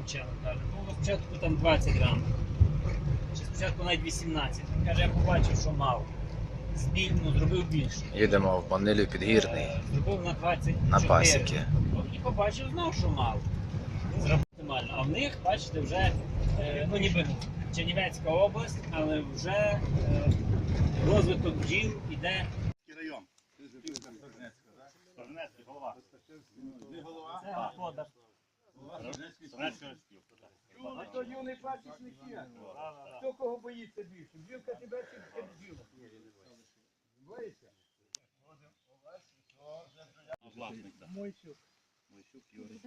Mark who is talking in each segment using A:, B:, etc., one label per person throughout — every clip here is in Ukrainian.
A: Чел каже, ну спочатку там 20 грам, чи спочатку навіть 18. Він каже, я побачив, що мав. Зробив більше.
B: Їдемо в Манилів Підгірний
A: Зробив на 24.
B: на пасіки.
A: І побачив, знав, що мав. Зробив оптимально. А в них, бачите, вже, ну ніби Чернівецька область, але вже розвиток бджіл іде.
C: Район. Торнецький голова. Не голова?
A: Це господар.
D: Ну, то юний пасічник є. Хто кого боїться більше? Бджілка тебе чи бджіла? Боїться? Мойчук.
C: Мойчук Юрій.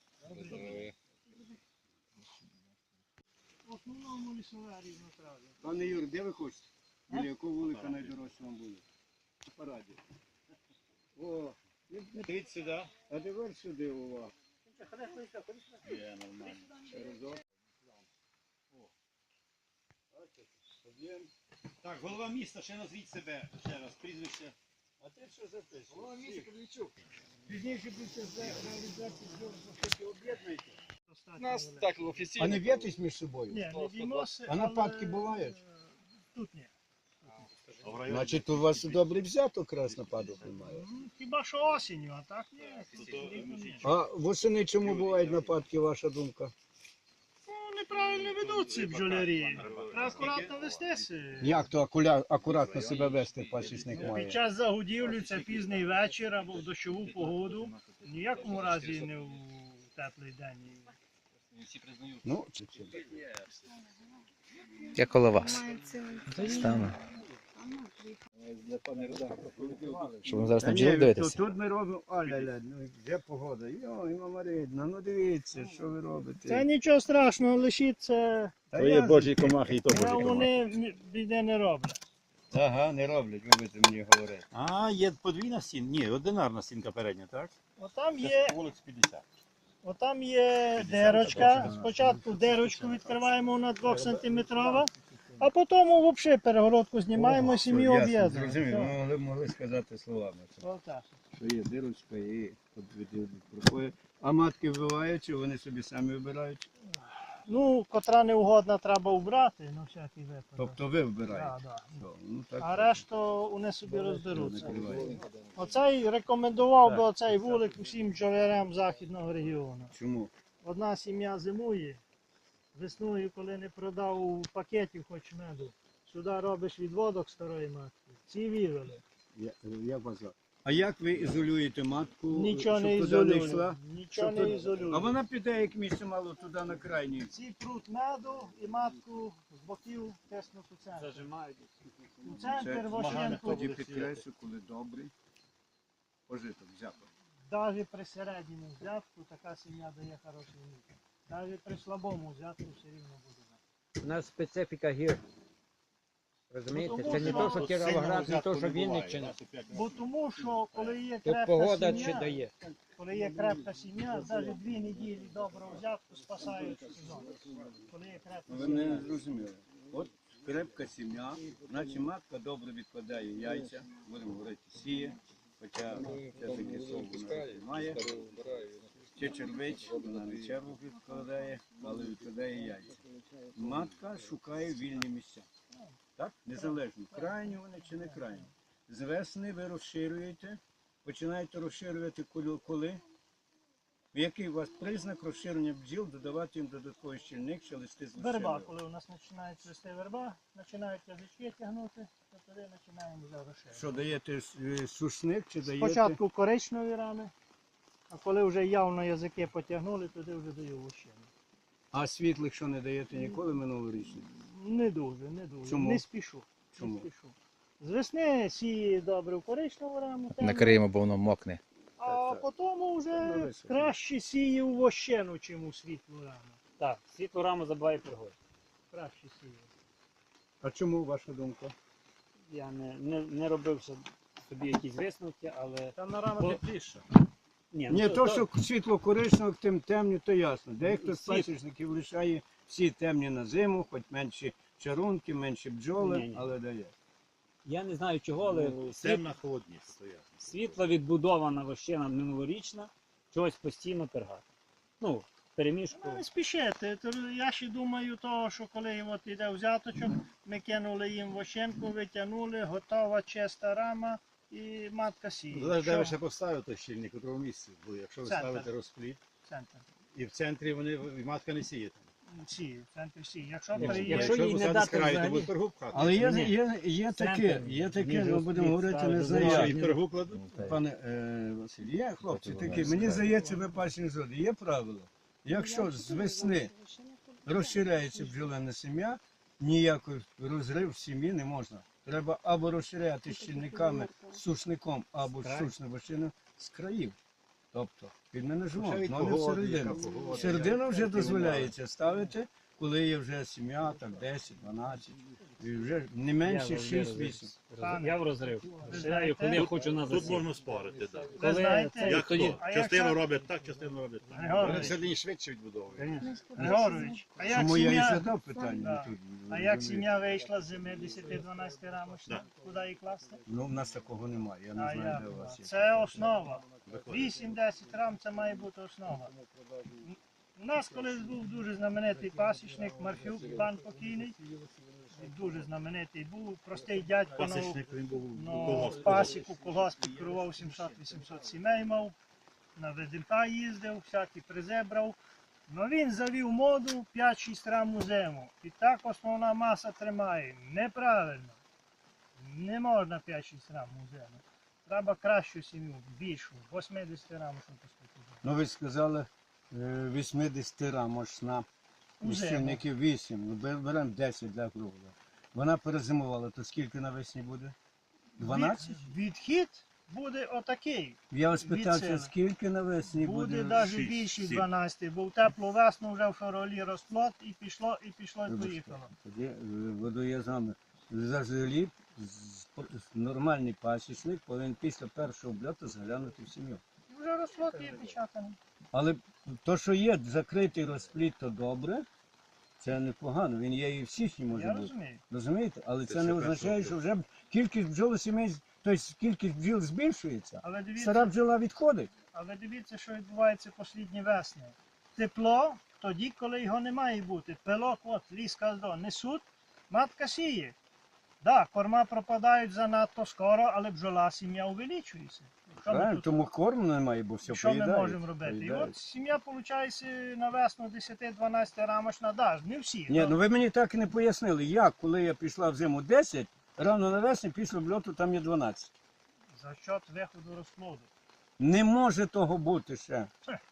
D: В основному лісове різнотрав'я.
E: Пане Юр, де ви хочете? Біля якого вулика найдорожче вам буде? На параді. О,
C: Йдіть сюди.
E: а тепер сюди увага.
C: Є, нормально.
E: Разок.
C: Так, голова міста, ще назвіть себе. Ще раз, прізвище.
E: А ти що записуєш?
D: Голова місця Кривичук. Пізніше будете за реалізацію бджоли об'єднуєте.
F: Нас так
E: А
F: офіційно.
E: не б'єтесь між собою?
D: Ні, не біймося,
E: А нападки бувають?
D: Тут ні.
E: Значить, у вас добрий взяток раз нападок немає.
D: Хіба що осінню, а так ні.
E: А восени чому бувають нападки, ваша думка?
D: Ну, неправильно ведуться бджолярі. Треба акуратно вестися.
E: Як то акуратно себе вести пасічник має?
D: Під час загодівлі це пізний вечір або в дощову погоду. В ніякому разі не в теплий день.
E: Ну,
B: Я коло вас. Стану. Щоб ви зараз на бджіл дивитися.
E: Тут ми робимо, аля-ля, ну де погода? Йой, мама рідна, ну дивіться, що ви робите.
D: Це нічого страшного, лишіться.
E: Та
C: То є
E: я-
C: Божі комахи і то Божі комахи.
D: Вони біде не роблять.
E: Ага, не роблять, ви будете мені говорити.
C: А, є подвійна стінка? Ні, одинарна стінка передня, так?
D: Отам є,
C: Вулиць 50.
D: отам є дирочка. Спочатку дирочку відкриваємо на 2 сантиметрова, а потім взагалі перегородку знімаємо і сім'ю
E: Зрозумів,
D: об'єднуємо.
E: ви могли сказати словами.
D: Отак.
E: Що є дирочка і проходить. А матки вбивають, чи вони собі самі вибирають?
D: Ну, котра неугодна треба вбрати, на всякий випадок.
E: Тобто ви вибираєте?
D: Да, да.
E: Що, ну, так,
D: А решту вони собі розберуться.
E: накриваєте.
D: Оцей рекомендував би оцей вулик усім бджолярям західного регіону.
E: Чому?
D: Одна сім'я зимує, весною, коли не продав пакетів хоч меду, сюди робиш відводок старої матки. Ці вивели.
E: Як вас звати? А як ви ізолюєте матку,
D: Нічого
E: щоб
D: не
E: туди не
D: ізолюємо.
E: йшла?
D: Нічого
E: Щоб
D: не
E: тут-
D: ізолюємо.
E: А вона піде як місце мало туди на крайній.
D: Ці прут меду і матку з боків тиснуть у центр.
A: Зажимають.
D: У центр
E: Тоді
D: вощенку,
E: підкреслю, коли добрий пожиток взяток.
D: навіть при середньому взятку така сім'я дає хороший мід. Навіть при слабому взятку все рівно буде.
G: У нас специфіка гір. Розумієте?
D: Ну,
G: Це не
D: тому
G: то, що Кіровоград, не то, що
C: буває,
G: Вінниччина.
C: раз у 5
D: Бо тому, що коли є
G: Тут
D: крепка
G: погода чи
D: сім'я,
G: дає.
D: коли є крепка сім'я, навіть 2 неділі доброго взятку спасають сезон. Коли є крепка
E: Ви мене не
D: сім'я.
E: зрозуміли. От крепка сім'я, значить матка добре відкладає яйця, будемо говорити, сіє, хоча це таке слово вона немає. Чи червич, вона не черву відкладає, але відкладає яйця. Матка шукає вільні місця. Так? Незалежно, крайні вони чи не крайні. З весни ви розширюєте, починаєте розширювати коли? Який у вас признак розширення бджіл, додавати їм додатковий щільник чи листи з
D: Верба,
E: лущиною?
D: коли у нас починають цвісти верба, починають язички тягнути, то тоді починаємо вже розширювати.
E: Що даєте сушник чи даєте?
D: Спочатку коричневі рани, а коли вже явно язики потягнули, тоді вже даю вощину.
E: А світлих що не даєте ніколи минулорічних?
D: Не дуже, не дуже.
E: Чому?
D: Не спішу.
E: Чому?
D: Не спішу. З весни сіє добре в коричневу раму, темну,
B: Накриємо, бо воно мокне.
D: а потім
E: Ну,
D: вже
E: висохне.
D: краще сіє у вощину, чим у світлу раму.
A: Так, світлу раму забуває пригодь.
D: Краще сіє.
E: А чому ваша думка?
A: Я не робив собі якісь висновки, але...
C: Там на рама
A: Бо-
C: тепліше.
E: Ні, то, що світло коричневих, тим темні, то ясно. Дехто з пасічників лишає всі темні на зиму, хоч менші чарунки, менші бджоли,
A: Ні-ні.
E: але дає.
A: Я не знаю чого, але
C: Темна холодність стоять.
A: світло відбудована вощина минулорічна, чогось постійно пергати. Ну, перемішку.
D: Не спішити. Я ще думаю, того, що коли от іде взяточок, ми кинули їм вощенку, витягнули, готова чиста рама і матка сіє.
C: Залежить, де
D: Що?
C: ви ще поставите той щільник, у якому місці. Бо якщо ви
D: Центр.
C: ставите розпліт,
D: Центр.
C: і в центрі вони, і матка не сіє там.
D: Сіє, центр сіє. Якщо
A: Якщо
D: приїде,
A: їй не
C: посадити
A: дати
C: з краю, то
A: взагалі-
C: буде пергу пхати.
F: Але
A: Ні.
F: є таке,
A: Центр,
F: є таке,
A: ніж
F: ми будемо
A: розпліт
F: говорити
A: ставити,
F: не за
A: Ну,
C: Що,
F: як.
C: і пергу кладуть?
F: Пане Василь, є хлопці
B: Тобто
F: такі,
B: вона
F: мені
B: скаже.
F: здається, ви пасічні зони, є правило. Якщо з весни розширяється бджолине сім'я, ніякий розрив в сім'ї не можна. Треба або розширяти щільниками, сушником, або сушним вощиною з країв. Тобто під менеджмент,
C: Ще від
F: але не
C: погоди,
F: всередину.
C: яка погода,
F: Всередину вже
C: як
F: дозволяється ставити, коли є вже сім'я, так 10, 12, і вже не менше 6-8.
A: Я в розрив. Розширяю, коли я хочу на
H: Тут
A: засів.
H: можна спорити, так.
D: ви знаєте,
H: Як
A: тоді-
H: хто?
D: А
H: Частину
D: якщо-
H: роблять так, частину роблять так.
C: Вони
D: Григорович,
C: всередині швидше відбудовують.
D: Григорович, а як
F: Чому я і
D: сім'я,
F: задав питання
D: Да.
F: тут?
D: а як сім'я вийшла з зими 10-12 рамочна, куди її класти?
F: Ну, в нас такого немає, я не
D: А
F: знаю,
D: як?
F: де у вас є.
D: Це основа. 8-10 рам це має бути основа. У нас колись був дуже знаменитий пасічник Марфюк, пан покійний. Дуже знаменитий був, простий дядько,
H: Пасічник він був у
D: ну,
H: колгоспі.
D: пасіку, колгосп керував 700-800 сімей мав, на ВДНК їздив, всякі призи брав. Ну він завів моду 5-6 рам у зиму. І так основна маса тримає. Неправильно. Не можна 5-6 рам у зиму. Треба кращу сім'ю, більшу, 80 рам, щоб поступити.
F: Ну, ви сказали 80 рамочна,
D: У зиму.
F: щільників 8, ну, беремо 10 для кругла. Вона перезимувала, то скільки навесні буде? 12?
D: Відхід буде отакий.
F: Я вас
D: від
F: питався,
D: сили.
F: скільки навесні
D: Буде
F: буде?
D: навіть
H: 6,
D: більше
H: 7.
D: 12, бо в теплу весну вже в февралі розплод і пішло, і
F: Вибачте,
D: поїхало.
F: Тоді водоязами. Взагалі, нормальний пасічник повинен після першого обльоту заглянути в сім'ю.
D: І вже розплод є печатаний.
F: Але то, що є закритий розпліт, то добре, це непогано. Він є і в січні може
D: Я
F: бути.
D: розумію.
F: Розумієте? Але це
H: ще
F: не
H: першого
F: означає, що вже кількість бджол сімей, тобто кількість бджіл збільшується.
D: Але
F: Стара
D: дивіться,
F: бджола відходить.
D: що відбувається послідні весни. Тепло тоді, коли його не має бути. Пилок, от, ліс каздо, несуть, матка сіє. Так, корма пропадають занадто скоро, але бджола сім'я увеличується. Що ми
F: Правильно?
D: тут-
F: Тому корму немає, бо все
D: Що ми
F: поїдають.
D: можемо робити? І
F: поїдають.
D: от сім'я, виходить, на весну 10-12 рамочна, да, не всі.
F: Ні, ну ви мені так і не пояснили, як, коли я пішла в зиму 10, рано навесні після обльоту там є 12.
D: За счет виходу розплоду.
F: Не може того бути ще.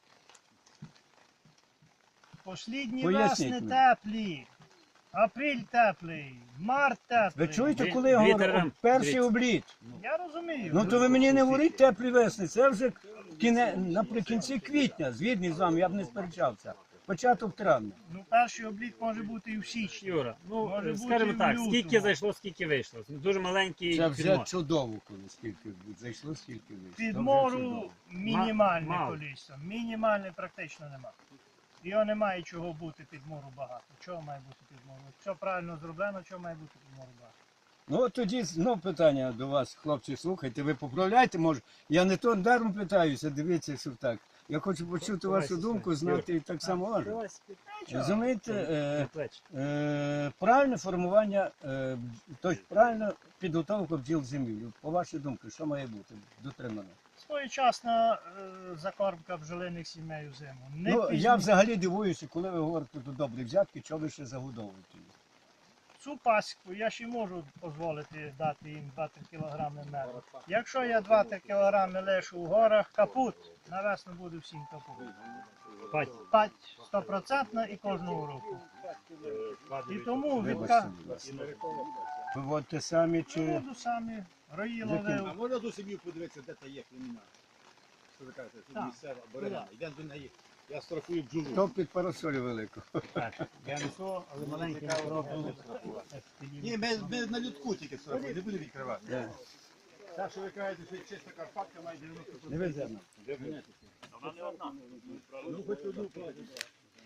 D: Послідні
F: Поясніть
D: весни
F: мені.
D: теплі, апрель теплий, март теплий.
F: Ви чуєте,
A: Дві-
F: коли я
A: дві
F: говорю,
A: терам-
F: перший
A: дивіться.
F: обліт?
D: Я розумію.
F: Ну то ви мені не говоріть теплі весни, це вже наприкінці квітня, згідний з вами, я б не сперечався. Початок травня.
D: Ну, перший облік може бути і в січні.
A: Юра,
D: Може бути
A: скажімо
D: і в
A: так,
D: лютому.
A: скільки зайшло, скільки вийшло. Дуже маленький
F: Це вже
A: підмор.
F: чудово, коли скільки зайшло, скільки вийшло. Це вже
D: Підмору
F: чудово.
D: мінімальне
A: Мало.
D: кількість. Мінімальне практично немає. Його немає чого бути підмору багато. Чого має бути підмору? Що правильно зроблено, чого має бути підмору багато?
F: Ну от тоді знов питання до вас, хлопці, слухайте, ви поправляйте, може. Я не то даром питаюся, дивіться, що так. Я хочу почути вашу думку, знати і так само важко. Розумієте, правильне формування, тобто правильна підготовка бджіл землі. По вашій думці, що має бути дотримано?
D: Своєчасна закормка бджолиних сімей у зиму. Не
F: Ну,
D: пізно.
F: я взагалі дивуюся, коли ви говорите про добрі взятки, що ви ще загодовуєте їх?
D: Цю пасіку я ще можу дозволити дати їм 2-3 кілограми меду. Якщо я 2-3 кілограми лишу у горах, капут, на весну буде всім капут. Пать 100% і кожного року. І тому
F: Вибачте,
D: відка...
F: будь ласка. Виводьте самі чи...
D: Буду самі рої
F: Яким?
D: ловив.
C: А можна до сім'ї подивитися, де та є племінна? Що ви кажете, тут
D: Так.
C: місцева борона. Йдемо до неї. Я страхую бджолу.
F: Хто під парасолю велику?
A: Я не то, але маленький
C: Ні, ми на людку тільки страхуємо, не будемо відкривати. Так, що ви кажете, що чиста Карпатка має 90%.
F: Не веземо.
A: Вона не одна.
C: Ну, хоч одну платять.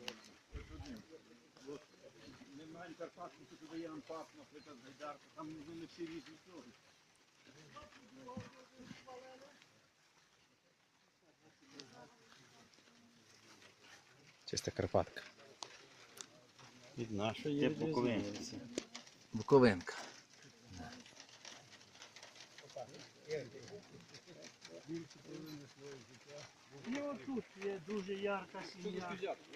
C: Ми маємо Карпатку, що туди є Анпап, наприклад, Гайдарка, там не всі різні сроки.
B: Чиста Карпатка.
C: Від нашої Буковинці.
B: Буковинка.
D: І отут є дуже ярка сім'я.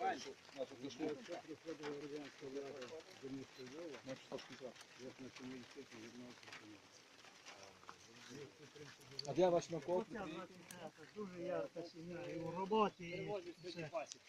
G: А де ваш Маков?
D: Оця 23-та, дуже ярка сім'я. І в роботі, і все.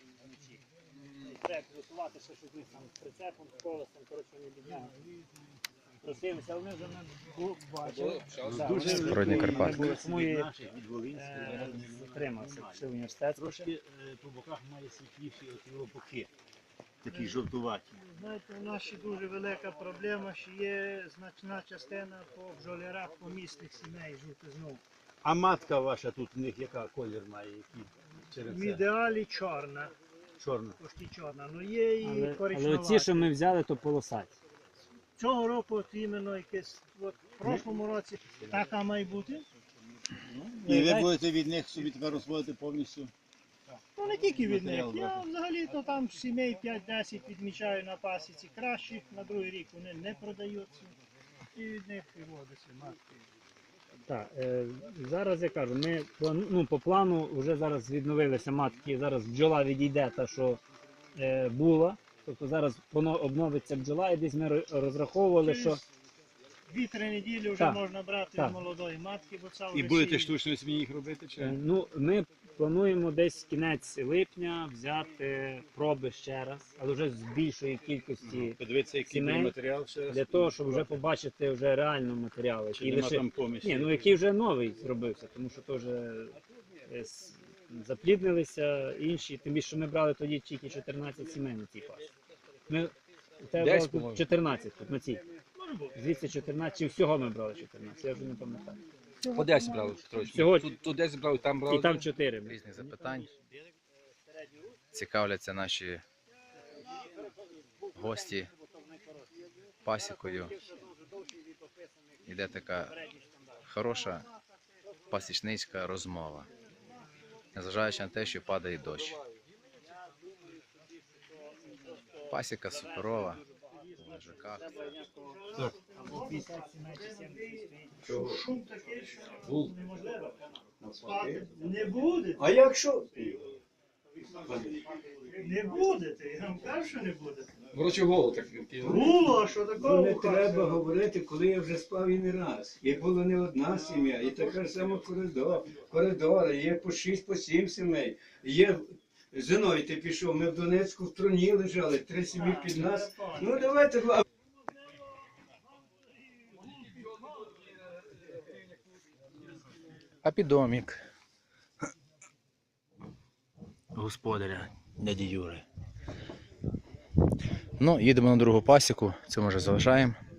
A: Треба підготувати ще щось там з прицепом, з колесом, коротше, вони бідняги. Просилися, але ми вже не бачили.
B: Природні Карпатки.
A: Ми були смуї, затримався, пішли в університет.
C: Трошки по боках має світліші от його боки. Такі жовтуваті.
D: Знаєте, у нас ще дуже велика проблема, що є значна частина по бджолярах помісних сімей жовтизну.
C: А матка ваша тут у них яка колір має? Який?
D: В
C: Через
D: ідеалі чорна,
C: чорна.
D: почти чорна, але є і
A: Але
D: коричневата.
A: оці, що ми взяли, то полосаті.
D: Цього року от іменно якесь, от в прошлому році така має бути.
C: І ви будете від них собі тепер розводити повністю?
D: Ну не тільки від них.
C: Матеріал
D: Я
C: брати.
D: взагалі то там сімей 5-10 відмічаю на пасіці кращих, на другий рік вони не продаються. І від них виводиться матки.
A: Так, зараз я кажу, ми по плану вже зараз відновилися матки, зараз бджола відійде та, що була. Тобто зараз воно обновиться бджола, і десь ми розраховували, що
D: 2-3 неділі вже
A: Так,
D: можна брати
A: так.
D: з молодої матки, бо це вже
C: І будете
D: сіє.
C: штучно собі їх робити? Чи?
A: ну, ми плануємо десь кінець липня взяти проби ще раз, але вже з більшої кількості,
C: Подивитися, який
A: сімей,
C: буде матеріал ще раз.
A: для того, щоб вже побачити вже реально матеріал,
C: Чи
A: який
C: нема
A: лише...
C: там помісі?
A: Ні, ну який вже новий зробився, тому що теж запліднилися інші, тим більше, що ми брали тоді тільки 14 сімей на цій пасі. Ми у тебе
G: Десь,
A: брали тут
G: по-моєму.
A: 14 тут на цій. Звідси 14, чи всього ми брали 14, я вже не пам'ятаю.
G: По 10 брали, Петрович.
A: Всього-
G: Тут 10 брали, там брали.
A: І там 4.
B: Різних запитань. Цікавляться наші гості пасікою. Іде така хороша пасічницька розмова. Незважаючи на те, що падає дощ. Пасіка суперова. У лежаках.
A: Або 50 сімей чи 70 стоїть.
D: Шум такий, що неможливо спати. Не будете.
F: А якщо?
D: Не будете. Я вам кажу, що не будете.
G: Ворочий голову так.
D: Було, що такого.
F: Не треба говорити, коли я вже спав і не раз. І була не одна сім'я, і така ж сама коридори, є по 6, по 7 сімей. Є Зиновій, ти пішов, ми в Донецьку в труні лежали, 3 сім'ї під нас. Ну давайте.
B: А підомік господаря дяді Юри. Ну, їдемо на другу пасіку, це ми вже залишаємо.